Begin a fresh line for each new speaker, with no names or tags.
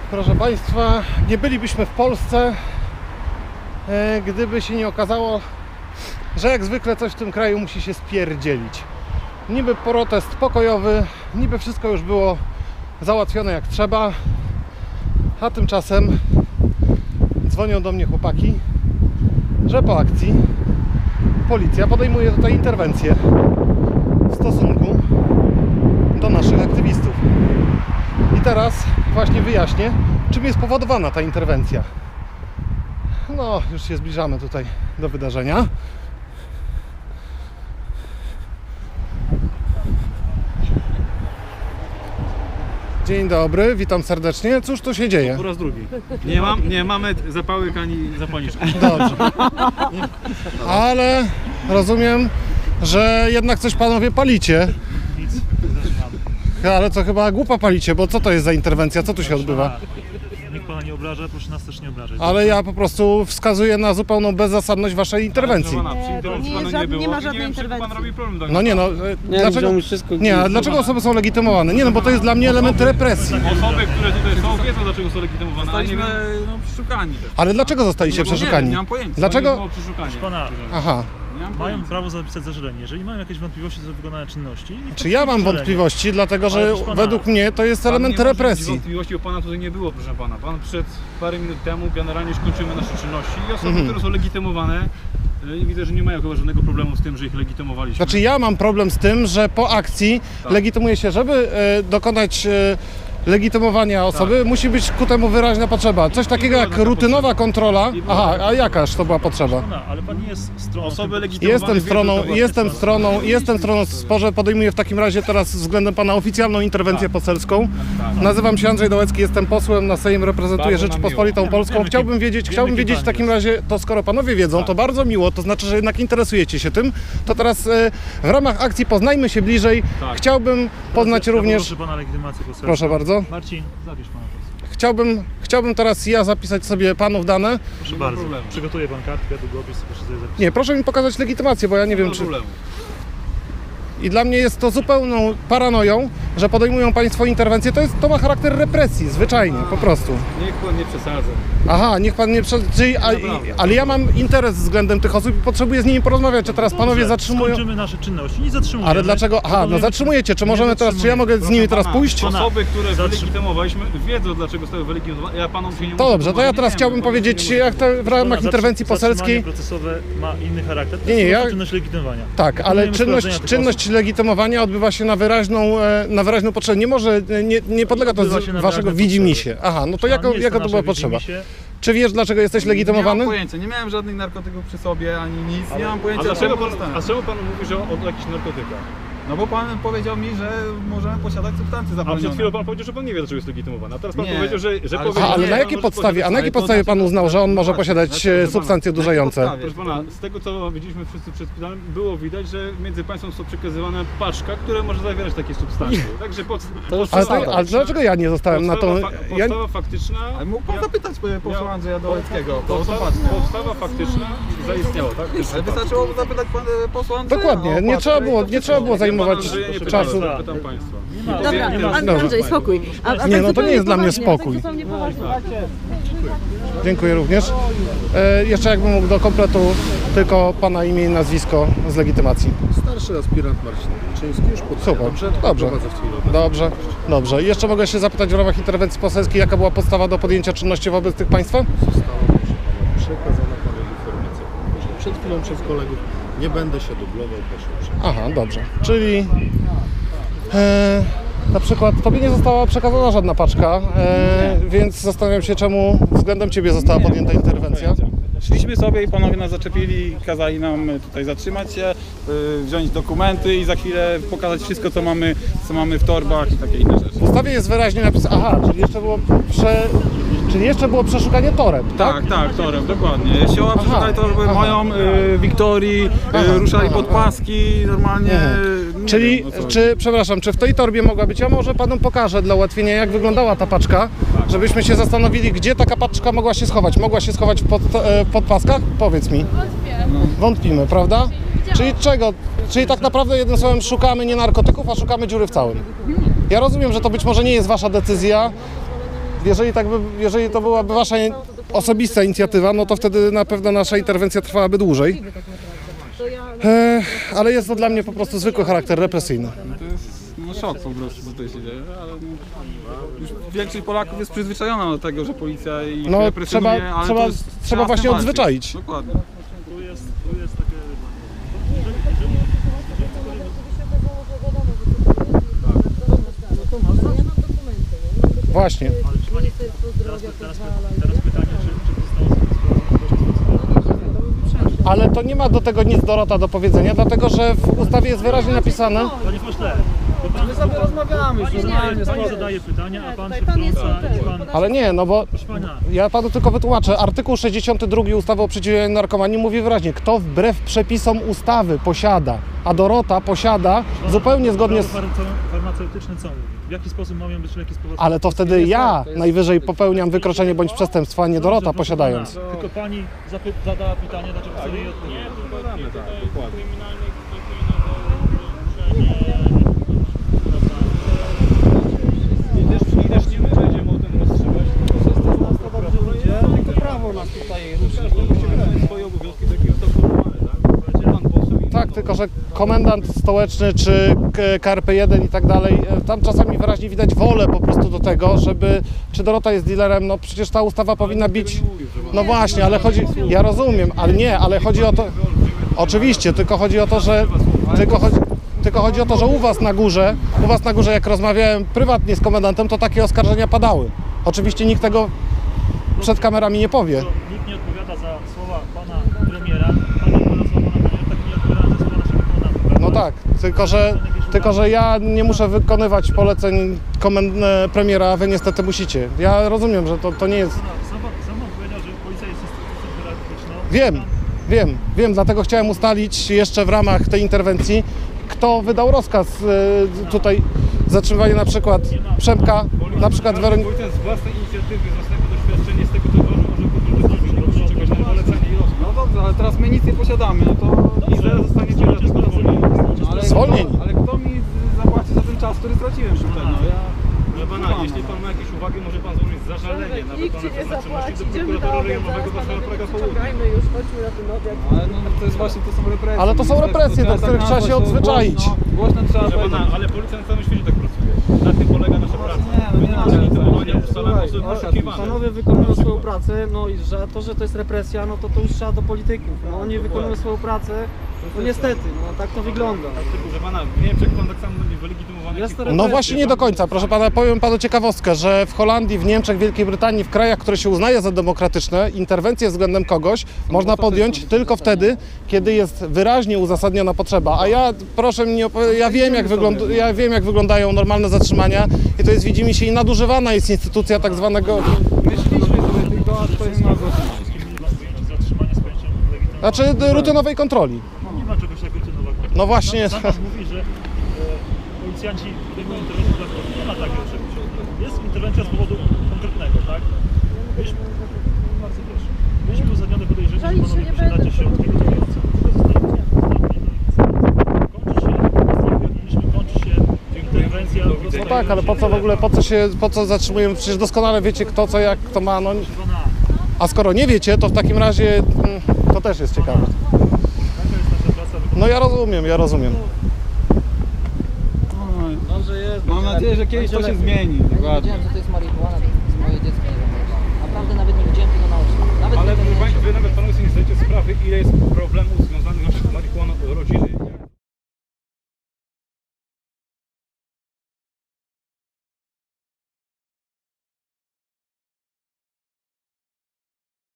Proszę Państwa, nie bylibyśmy w Polsce, gdyby się nie okazało, że jak zwykle coś w tym kraju musi się spierdzielić. Niby protest pokojowy, niby wszystko już było załatwione jak trzeba, a tymczasem dzwonią do mnie chłopaki, że po akcji policja podejmuje tutaj interwencję w stosunku do naszych aktywistów. I teraz właśnie wyjaśnię, czym jest powodowana ta interwencja. No, już się zbliżamy tutaj do wydarzenia. Dzień dobry, witam serdecznie. Cóż tu się dzieje?
Po raz drugi. Nie mamy zapałek ani zapalniczek.
Dobrze. Ale rozumiem, że jednak coś panowie palicie.
Nic.
Ale co chyba głupa palicie, bo co to jest za interwencja? Co tu się odbywa?
Nikt pana nie obraża, proszę nas też nie obrażać.
Ale ja po prostu wskazuję na zupełną bezzasadność waszej interwencji.
Nie ma żadnej interwencji.
Pan robi problem.
No nie no, dlaczego? Nie, a dlaczego osoby są legitymowane? Nie no, bo to jest dla mnie element represji.
Osoby, które tutaj są, wiedzą dlaczego są legitymowane.
Zostaliśmy przeszukani.
Ale dlaczego zostaliście przeszukani?
Nie mam pojęcia.
Dlaczego?
Proszę
Pana,
Aha.
mają prawo zapisać zażalenie. Jeżeli mają jakieś wątpliwości co do wykonania czynności...
Czy ja mam wątpliwości, dlatego że
proszę pana,
według mnie to jest element represji.
Wątpliwości, bo pana tutaj nie było, proszę pana. Pan przed parę minut temu generalnie już kończymy nasze czynności i osoby, które są legitymowane, widzę, że nie mają chyba żadnego problemu z tym, że ich legitymowaliśmy.
Znaczy ja mam problem z tym, że po akcji legitymuje się, żeby dokonać legitymowania osoby, musi być ku temu wyraźna potrzeba. Coś takiego jak rutynowa kontrola. Aha, a jakaż to była potrzeba?
Ale pan nie jest stroną...
Osoby legitymowane
Jestem stroną w sporze, podejmuję w takim razie teraz względem pana oficjalną interwencję poselską. Nazywam się Andrzej Dołecki, jestem posłem na Sejm, reprezentuję Rzeczypospolitą Polską. Chciałbym wiedzieć w takim razie, to skoro panowie wiedzą, to bardzo miło, to znaczy, że jednak interesujecie się tym, to teraz w ramach akcji Poznajmy się bliżej, chciałbym poznać również...
Proszę pana legitymację poselską.
Proszę bardzo.
Marcin, zapisz pana posła.
Chciałbym teraz ja zapisać sobie panów dane.
Proszę bardzo. Przygotuje pan kartkę, długopis, proszę sobie zapisać.
Nie, proszę mi pokazać legitymację, bo ja nie wiem czy... I dla mnie jest to zupełną paranoją, że podejmują państwo interwencję. To ma charakter represji, zwyczajnie, po prostu.
Niech pan nie przesadza.
Aha, niech pan nie ale ja mam interes względem tych osób i potrzebuję z nimi porozmawiać, czy teraz panowie zatrzymują...
Skończymy nasze czynności, nie zatrzymujemy.
Ale dlaczego? Aha, no zatrzymujecie, czy możemy teraz, czy ja mogę z nimi teraz pójść?
Osoby, które wylegitymowaliśmy, wiedzą dlaczego zostały wylegitymowane. Ja panom się nie
To dobrze, to ja teraz chciałbym powiedzieć, jak to w ramach interwencji poselskiej...
procesowe ma inny charakter. To
Nie,
jest
ja...
czynność legitymowania.
Tak, ale czynność legitymowania odbywa się na wyraźną potrzebę. Nie może, nie podlega to waszego widzimisię. Aha, no to jaka to była potrzeba? Czy wiesz, dlaczego jesteś legitymowany?
Nie mam pojęcia, nie miałem żadnych narkotyków przy sobie, ani nic, nie mam pojęcia.
A czemu pan mówi, że o jakichś narkotykach?
No bo pan powiedział mi, że możemy posiadać substancje
A
zabronione.
przed chwilą pan powiedział, że pan nie wie, dlaczego jest legitymowany. A teraz pan
Nie.
powiedział, że
Ale-
powiedział...
Ale na jakiej podstawie? A na jakiej podstawie pan uznał, że on może posiadać substancje odurzające?
Proszę pana, z tego co widzieliśmy wszyscy przed chwilą, było widać, że między państwem są przekazywane paczka, które może zawierać takie substancje. Także
Ale dlaczego ja nie zostałem na to?
Podstawa faktyczna...
Ale mógł pan zapytać posła Andrzeja Dołeckiego.
Podstawa faktyczna zaistniała, tak?
Ale wystarczyło zapytać posła Andrzeja.
Dokładnie, nie trzeba było zajmować czasu.
Pytam państwa.
Dobra, Andrzej, spokój.
Nie, no to nie jest dla mnie spokój. Dziękuję również. Jeszcze jakbym mógł do kompletu tylko pana imię i nazwisko z legitymacji.
Starszy aspirant Marcin Wilczyński, już
Super, dobrze. Dobrze. I jeszcze mogę się zapytać w ramach interwencji poselskiej, jaka była podstawa do podjęcia czynności wobec tych państwa?
Została, proszę pana, przekazana panu informacja. Przed chwilą przez kolegów nie będę się dublował, proszę uprzejmie.
Aha, dobrze. Czyli na przykład tobie nie została przekazana żadna paczka, więc zastanawiam się, czemu względem ciebie została podjęta interwencja.
Szliśmy sobie i panowie nas zaczepili, kazali nam tutaj zatrzymać się, wziąć dokumenty i za chwilę pokazać wszystko, co mamy w torbach i takie inne rzeczy.
W ustawie jest wyraźnie napisane, aha, czyli jeszcze było przeszukanie toreb, tak?
Tak, torem, dokładnie. Siła przeszukali torby moją, Wiktorii, ruszali pod paski, normalnie...
Czyli, czy w tej torbie mogła być, ja może panu pokażę dla ułatwienia, jak wyglądała ta paczka, żebyśmy się zastanowili, gdzie taka paczka mogła się schować. Mogła się schować w podpaskach? Powiedz mi. Wątpimy, prawda? Czyli czego? Czyli tak naprawdę jednym słowem szukamy nie narkotyków, a szukamy dziury w całym. Ja rozumiem, że to być może nie jest wasza decyzja, jeżeli to byłaby wasza osobista inicjatywa, no to wtedy na pewno nasza interwencja trwałaby dłużej. Ale jest to dla mnie po prostu zwykły charakter represyjny.
To jest szok po prostu, co tutaj się dzieje, ale już większość Polaków jest przyzwyczajona do tego, że policja ich
No,
represjonuje, ale to jest,
trzeba właśnie
z tym walczyć.
odzwyczaić.
Dokładnie.
Tu jest takie...
Właśnie.
Teraz pytanie, czy zostało
Ale to nie ma do tego nic, Dorota, do powiedzenia, dlatego że w ustawie jest wyraźnie napisane.
Panie pośle, my sobie rozmawiamy, pani zadaje pytania, a pan się wtrąca i pan...
Ale nie, no bo
Proszę pana,
ja panu tylko wytłumaczę. Artykuł 62 ustawy o przeciwdziałaniu narkomanii mówi wyraźnie, kto wbrew przepisom ustawy posiada, a Dorota posiada zupełnie zgodnie z...
prawo farmaceutyczne co mówi? W jaki sposób mają być leki spowodowane?
Ale to wtedy ja najwyżej popełniam wykroczenie bądź przestępstwo, a nie Dorota posiadając.
Tylko pani zadała pytanie, dlaczego sobie jej odpowiedzieć.
I też nie my będziemy o tym rozstrzygać.
Tylko prawo nas tutaj ruszy.
Musimy robić swoje obowiązki, takie jest to formalne, tak? Pan poseł i
Tak, tylko że komendant stołeczny czy KRP-1 i tak dalej, tam czasami wyraźnie widać wolę po prostu do tego, żeby, czy Dorota jest dealerem, no przecież ta ustawa powinna bić, no właśnie, ale chodzi, ja rozumiem, ale nie, ale chodzi o to, oczywiście, tylko chodzi o to, że, tylko chodzi o to, że u was na górze jak rozmawiałem prywatnie z komendantem, to takie oskarżenia padały. Oczywiście nikt tego przed kamerami nie powie.
Nikt nie odpowiada za słowa pana premiera, pan nie odpowiada za słowa pana premiera, tak nie odpowiada za słowa naszego komendanta.
No tak, tylko że ja nie muszę wykonywać poleceń premiera, a wy niestety musicie. Ja rozumiem, że to nie jest...
Sam pan powiedział, że policja jest instytucją hierarchiczną.
Wiem, dlatego chciałem ustalić jeszcze w ramach tej interwencji, kto wydał rozkaz tutaj zatrzymywania na przykład Przemka, na przykład Weroniki.
Policjant z własnej inicjatywy, z własnego doświadczenia, z tego co uważam, może czegoś na polecenie i rozkaz.
No dobrze, ale teraz my nic nie posiadamy, no to...
I zaraz zostaniecie na tylko zwolnieni.
Ale,
Zwolnieni.
ale kto mi zapłaci za ten czas, który straciłem tutaj? No ja...
Proszę pana, jeśli pan ma jakieś uwagi, może pan złożyć zażalenie na
Nikt ci
wykonanie
nie
zatrzymania
zapłaci,
do
idziemy na
prokuratury
obiad,
rejonowego
zaraz
Warszawa Praga
panowie
Południe.
czekajmy już, chodźmy na ten obiad.
Ale no to jest właśnie, to są represje.
Ale to są represje, do których trzeba się odzwyczaić.
Głośno trzeba
Proszę
powiedzieć.
pana, ale policja na całym świecie tak pracuje. Na tym polega nasza praca.
Panowie wykonują swoją pracę, no i że to jest represja, no to już trzeba do polityków. No oni wykonują swoją pracę, no niestety, no tak to wygląda.
Proszę pana, w Niemczech pan tak samo będzie wylegitymowany.
Jest to
No właśnie nie do końca, proszę pana, powiem panu ciekawostkę, że w Holandii, w Niemczech, Wielkiej Brytanii, w krajach, które się uznaje za demokratyczne, interwencję względem kogoś można podjąć tylko wtedy, kiedy jest wyraźnie uzasadniona potrzeba. A ja, proszę mnie, ja wiem jak wyglądają normalne zatrzymania i to jest, widzimisię, i nadużywana jest instytucja tak zwanego,
Myśleliśmy sobie tylko, a stoimy na zatrzymaniu.
Wszystkim mieli pojęcie zatrzymania z pojęciem legitymacji.
znaczy rutynowej kontroli.
Nie ma czegoś jak rutynowego.
No właśnie.
Sam pan mówi, że policjanci podejmują interwencję dla kogoś. Nie ma takiego czegoś. Jest interwencja z powodu konkretnego, tak? Bardzo proszę. Mieliśmy uzasadnione podejrzenie, że
Żalić się
panowie
nie
posiadacie
będę.
środki gotujące. Kończy się interwencja.
No tak, ale po co w ogóle, po co zatrzymujemy? Przecież doskonale wiecie kto, co, jak, kto ma, no. A skoro nie wiecie, to w takim razie to też jest ciekawe.
Taka jest nasza praca.
No ja rozumiem.
Dobrze jest.
Mam nadzieję, że kiedyś to się zmieni. Dokładnie.
Wiedziałem, że to jest